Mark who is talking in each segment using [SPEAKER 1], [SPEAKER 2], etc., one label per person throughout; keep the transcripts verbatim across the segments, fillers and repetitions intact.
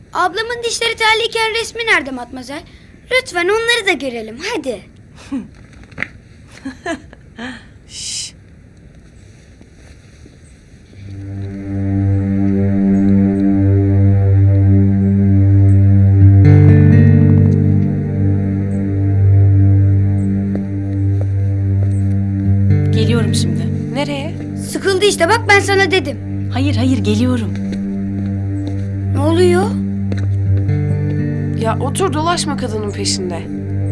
[SPEAKER 1] Ablamın dişleri terliyken resmi nerede Matmazel? Lütfen onları da görelim hadi.
[SPEAKER 2] Şşş.
[SPEAKER 3] Geliyorum şimdi.
[SPEAKER 2] Nereye?
[SPEAKER 1] Sıkıldı işte bak ben sana dedim.
[SPEAKER 3] Hayır hayır geliyorum.
[SPEAKER 1] Ne oluyor?
[SPEAKER 2] Ya otur dolaşma kadının peşinde.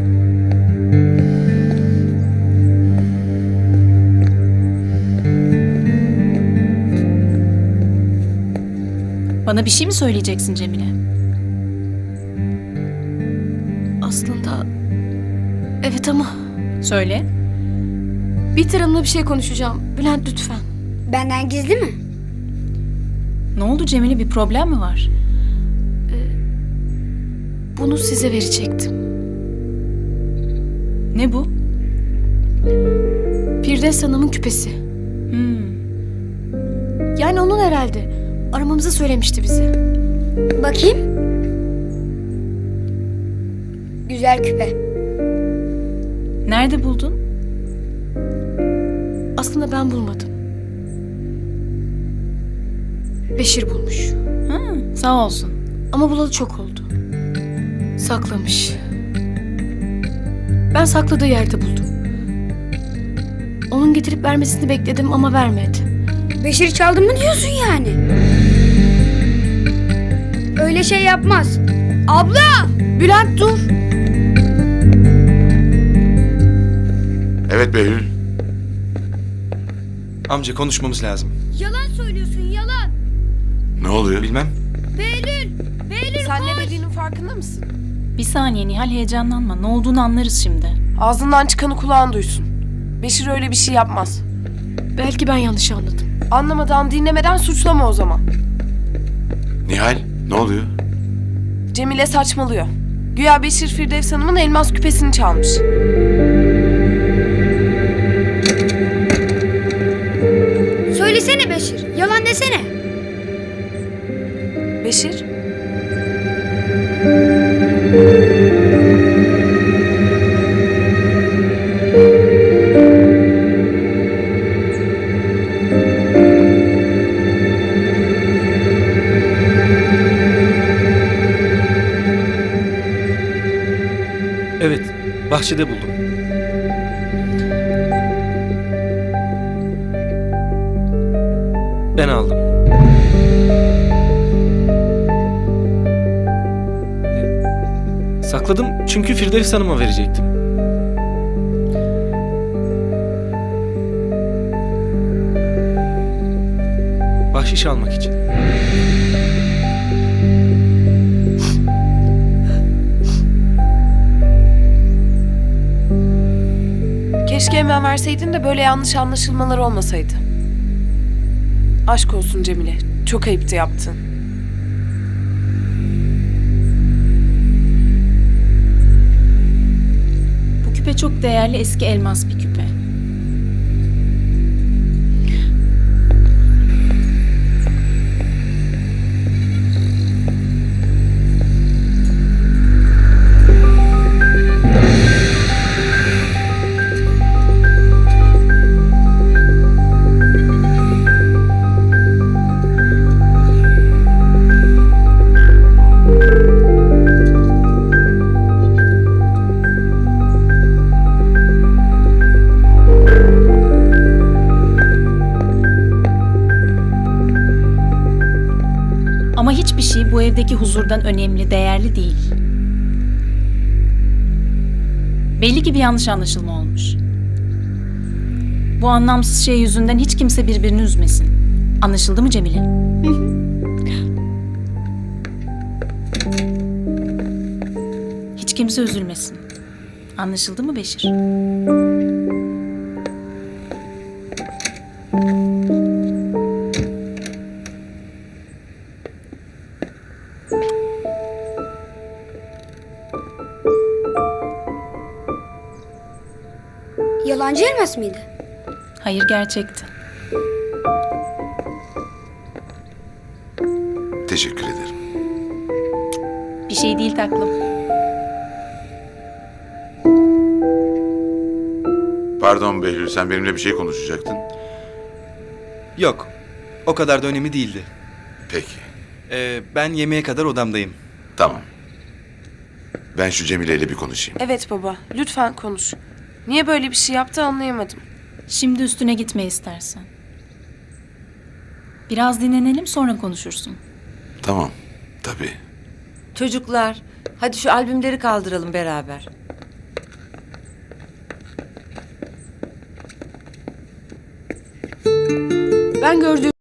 [SPEAKER 3] Bana bir şey mi söyleyeceksin Cemile?
[SPEAKER 4] Aslında... Evet ama
[SPEAKER 3] Söyle.
[SPEAKER 4] Bihter Hanım'la bir şey konuşacağım. Bülent lütfen.
[SPEAKER 1] Benden gizli mi?
[SPEAKER 3] Ne oldu Cemile, bir problem mi var?
[SPEAKER 4] Bunu size verecektim.
[SPEAKER 3] Ne bu?
[SPEAKER 4] Firdevs Hanım'ın küpesi.
[SPEAKER 3] Hmm.
[SPEAKER 4] Yani onun herhalde. Aramamızı söylemişti bize.
[SPEAKER 1] Bakayım. Güzel küpe.
[SPEAKER 3] Nerede buldun?
[SPEAKER 4] Aslında ben bulmadım. Beşir bulmuş.
[SPEAKER 3] Ha, sağ olsun.
[SPEAKER 4] Ama bulalı çok oldu. Saklamış. Ben sakladığı yerde buldum. Onun getirip vermesini bekledim ama vermedi.
[SPEAKER 1] Beşir çaldın mı diyorsun yani? Öyle şey yapmaz. Abla!
[SPEAKER 4] Bülent dur!
[SPEAKER 5] Evet Behlül.
[SPEAKER 6] Amca konuşmamız lazım.
[SPEAKER 1] Yalan söylüyorsun yalan.
[SPEAKER 5] Ne oluyor?
[SPEAKER 6] Bilmem.
[SPEAKER 1] Behlül! Behlül
[SPEAKER 2] Sen
[SPEAKER 1] koş!
[SPEAKER 2] ne dediğinin farkında mısın?
[SPEAKER 3] Bir saniye Nihal, heyecanlanma. Ne olduğunu anlarız şimdi.
[SPEAKER 2] Ağzından çıkanı kulağın duysun. Beşir öyle bir şey yapmaz.
[SPEAKER 4] Belki ben yanlış anladım.
[SPEAKER 2] Anlamadan, dinlemeden suçlama o zaman.
[SPEAKER 5] Nihal, ne oluyor?
[SPEAKER 2] Cemile saçmalıyor. Güya Beşir Firdevs Hanım'ın elmas küpesini çalmış.
[SPEAKER 1] Söylesene Beşir. Yalan desene.
[SPEAKER 2] Beşir?
[SPEAKER 6] Evet, bahçede buldum. Ben aldım. Sakladım çünkü Firdevs Hanım'a verecektim. Bahşiş almak için.
[SPEAKER 2] Keşke hemen verseydin de böyle yanlış anlaşılmalar olmasaydı. Aşk olsun Cemile. Çok ayıptı yaptın.
[SPEAKER 3] Bu küpe çok değerli, eski elmas bir küpe. Ama hiçbir şey bu evdeki huzurdan önemli, değerli değil. Belli ki bir yanlış anlaşılma olmuş. Bu anlamsız şey yüzünden hiç kimse birbirini üzmesin. Anlaşıldı mı Cemile? Hiç kimse üzülmesin. Anlaşıldı mı Beşir?
[SPEAKER 1] Yalancı elmas mıydı?
[SPEAKER 3] Hayır, gerçekti.
[SPEAKER 5] Teşekkür ederim.
[SPEAKER 3] şey değil taklım.
[SPEAKER 5] Pardon Behlül, sen benimle bir şey konuşacaktın.
[SPEAKER 7] Yok. O kadar da önemli değildi.
[SPEAKER 5] Peki,
[SPEAKER 7] Ee, ben yemeğe kadar odamdayım.
[SPEAKER 5] tamam. Ben şu Cemile ile bir konuşayım.
[SPEAKER 2] Evet baba, lütfen konuş. Niye böyle bir şey yaptı anlayamadım.
[SPEAKER 3] Şimdi üstüne gitme istersen. Biraz dinlenelim sonra konuşursun.
[SPEAKER 5] Tamam, tabii.
[SPEAKER 8] Çocuklar, hadi şu albümleri kaldıralım beraber.
[SPEAKER 4] Ben gördüğüm